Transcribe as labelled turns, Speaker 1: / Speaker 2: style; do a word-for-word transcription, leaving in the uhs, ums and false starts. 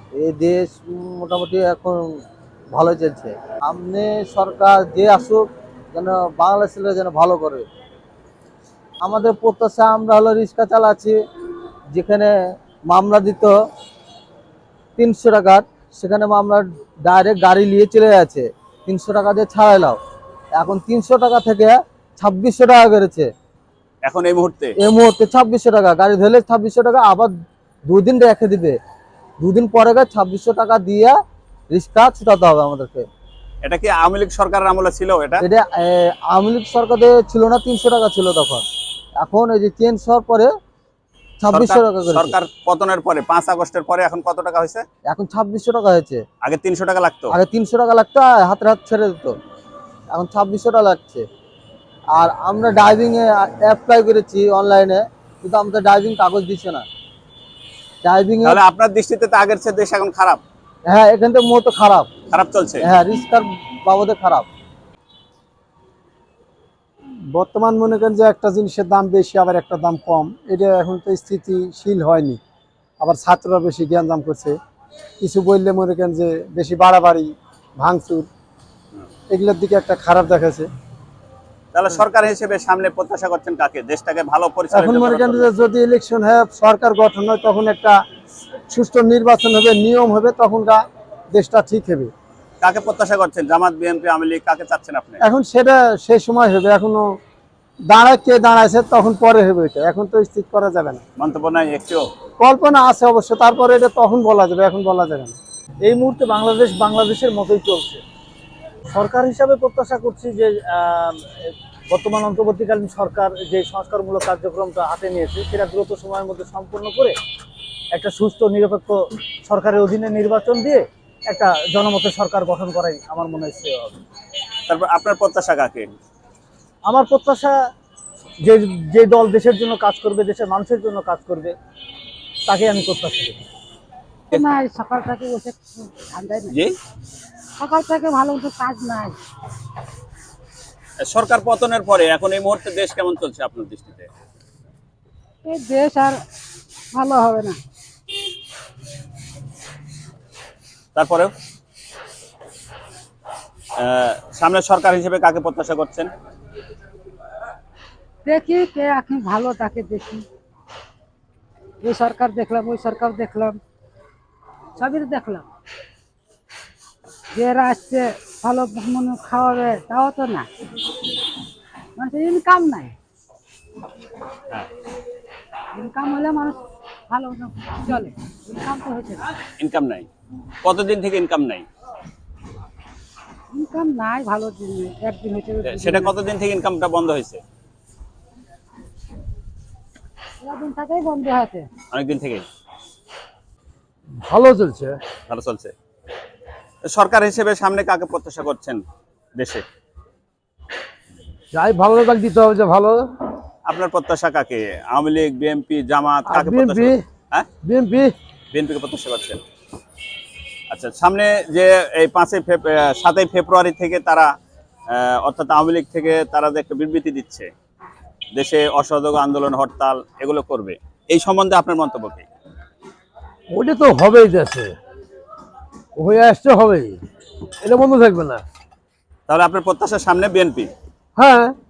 Speaker 1: এই দেশ মোটামুটি এখন ভালো চলছে। সামনে সরকার যে আসুক যেন বাংলাদেশ ছেলে যেন ভালো করে। আমাদের প্রত্যাশা আমরা হলো রিক্সা চালাচ্ছি, যেখানে মামলা দিত তিনশো টাকার, সেখানে মামলা ডাইরেক্ট গাড়ি নিয়ে চলে যাচ্ছে, তিনশো টাকা দিয়ে ছাড়াইলাম। এখন তিনশো টাকা থেকে ছাব্বিশশো টাকা করেছে
Speaker 2: এখন এই মুহূর্তে।
Speaker 1: এই মুহূর্তে ছাব্বিশশো টাকা গাড়ি ধরলে ছাব্বিশশো টাকা, আবার দুদিন রেখে দিবে, দুদিন পরে ছাব্বিশশো টাকা দিয়ে রিক্সা ছুটাতে হবে আমাদেরকে।
Speaker 2: এটা কি আওয়ামী লীগ সরকারের আমলে ছিল? এটা
Speaker 1: এটা আওয়ামী লীগ সরকারে ছিল না, তিনশো টাকা ছিল তখন। এখন এই যে চেঞ্জ হওয়ার পরে ছাব্বিশশো টাকা করেছে।
Speaker 2: সরকার পতনের পরে পাঁচ আগস্টের পরে এখন কত টাকা হয়েছে?
Speaker 1: এখন ছাব্বিশশো টাকা হয়েছে।
Speaker 2: আগে তিনশো টাকা লাগতো।
Speaker 1: আগে তিনশো টাকা লাগতো, হাতে হাত ছেড়ে দিত, এখন ছাব্বিশশো টাকা লাগছে। আর আমরা ড্রাইভিং এ অ্যাপ্লাই করেছি অনলাইনে, কিন্তু আমাদের ড্রাইভিং কাগজ দিচ্ছে না। ড্রাইভিং এ
Speaker 2: তাহলে আপনার দৃষ্টিতে তো আগের চেয়ে দেশ এখন খারাপ।
Speaker 1: হ্যাঁ, এখান থেকে মতো খারাপ
Speaker 2: খারাপ চলছে।
Speaker 1: হ্যাঁ, রিক্সার বাবদে খারাপ।
Speaker 3: বর্তমান মনে করেন যে একটা জিনিসের দাম বেশি আবার একটা দাম কম, এটা এখন তো স্থিতিশীল হয়নি। আবার ছাত্ররা বেশি জ্ঞানজাম করছে, কিছু বললে মনে করেন যে বেশি বাড়াবাড়ি ভাঙচুর, এগুলোর দিকে একটা খারাপ দেখাচ্ছে।
Speaker 2: তাহলে সরকার হিসেবে সামনে প্রত্যাশা করছেন কাকে? দেশটাকে ভালো পরিচালনা
Speaker 3: এখন মনে করেন যে যদি ইলেকশন হয়, সরকার গঠন হয়, তখন একটা সুষ্ঠু নির্বাচন হবে, নিয়ম হবে, তখনটা দেশটা ঠিক হবে।
Speaker 2: কাকে প্রত্যাশা করছেন? জামাত, বিএনপি, আওয়ামী লীগ, কাকে চাচ্ছেন আপনি?
Speaker 3: এখন সেটা সেই সময় হবে, এখনো দাঁড়ায় কে দাঁড়াইছে তখন পরে হবে, এটা এখন তো স্থির করা যাবে না।
Speaker 2: মন্তব্য নাই একটিও?
Speaker 3: কল্পনা আছে অবশ্য, তারপরে এটা তখন বলা যাবে, এখন বলা যাবে না।
Speaker 4: এই মুহূর্তে বাংলাদেশ বাংলাদেশের মতোই চলছে। সরকার হিসাবে প্রত্যাশা করছি যে বর্তমান অন্তর্বর্তীকালীন সরকার যে সংস্কারমূলক কার্যক্রমটা হাতে নিয়েছে সেটা দ্রুত সময়ের মধ্যে সম্পন্ন করে একটা সুস্থ নিরপেক্ষ সরকারের অধীনে নির্বাচন দিয়ে একটা জনমতের সরকার গঠন করাই আমার মনে হয় শ্রেয় হবে।
Speaker 2: তারপর আপনার প্রত্যাশা কাকে?
Speaker 4: আমার প্রত্যাশা যে যে দল দেশের জন্য কাজ করবে, দেশের মানুষের জন্য কাজ করবে, তাকে আমি প্রত্যাশা করি।
Speaker 5: নাই, সকাল থেকে বসে ঠান্ডায়
Speaker 2: জি,
Speaker 5: সকাল থেকে ভালো মতো কাজ নাই।
Speaker 2: সরকার পতনের পরে এখন এই মুহূর্তে দেশ কেমন চলছে আপনার দৃষ্টিতে?
Speaker 5: এই দেশ আর ভালো হবে না।
Speaker 2: তারপরেও সামনে সরকার হিসেবে কাকে প্রত্যাশা করছেন?
Speaker 5: দেখি কে এখন ভালো তাকে দেখি। এই সরকার দেখলাম, ওই সরকার দেখলাম, সবই দেখলাম। যারা আসছে ভালো মনে খাওয়াবে তাও তো না, মানে ইনকাম নাই। ইনকাম হলে মানুষ ভালো চলে, ইনকাম তো হয়েছে না।
Speaker 2: ইনকাম নাই? কতদিন থেকে ইনকাম নাই?
Speaker 5: ইনকাম নাই ভালো দিন, একদিন হয়েছে।
Speaker 2: সেটা কতদিন থেকে ইনকামটা বন্ধ হয়েছে?
Speaker 5: দিন থেকেই বন্ধ হয়েছে।
Speaker 2: অনেকদিন থেকে
Speaker 3: ভালো চলছে।
Speaker 2: ভালো চলছে। সরকার হিসেবে সামনে কাকে প্রত্যাশা করছেন দেশে?
Speaker 3: যাই ভালো তাকে দিতে হবে, যে ভালো।
Speaker 2: আপনার প্রত্যাশা কাকে? আওয়ামী লীগ, বিএনপি, জামাত, কাকে
Speaker 3: বিএনপি।
Speaker 2: প্রত্যাশা? হ্যাঁ,
Speaker 3: বিএনপি।
Speaker 2: বিএনপিকে প্রত্যাশা করছেন। আচ্ছা, সামনে যে এই পাঁচই সাতই ফেব্রুয়ারি থেকে তারা অর্থাৎ আওয়ামী লীগ থেকে তারা যে একটা বিবৃতি দিচ্ছে, দেশে অসহযোগ আন্দোলন, হরতাল এগুলো করবে, এই সম্বন্ধে আপনার মন্তব্য কি?
Speaker 3: ওটা তো হবেই, দেশে হয়ে আসতে হবেই, এটা বন্ধ থাকবে না।
Speaker 2: তাহলে আপনার প্রত্যাশার সামনে বিএনপি?
Speaker 3: হ্যাঁ।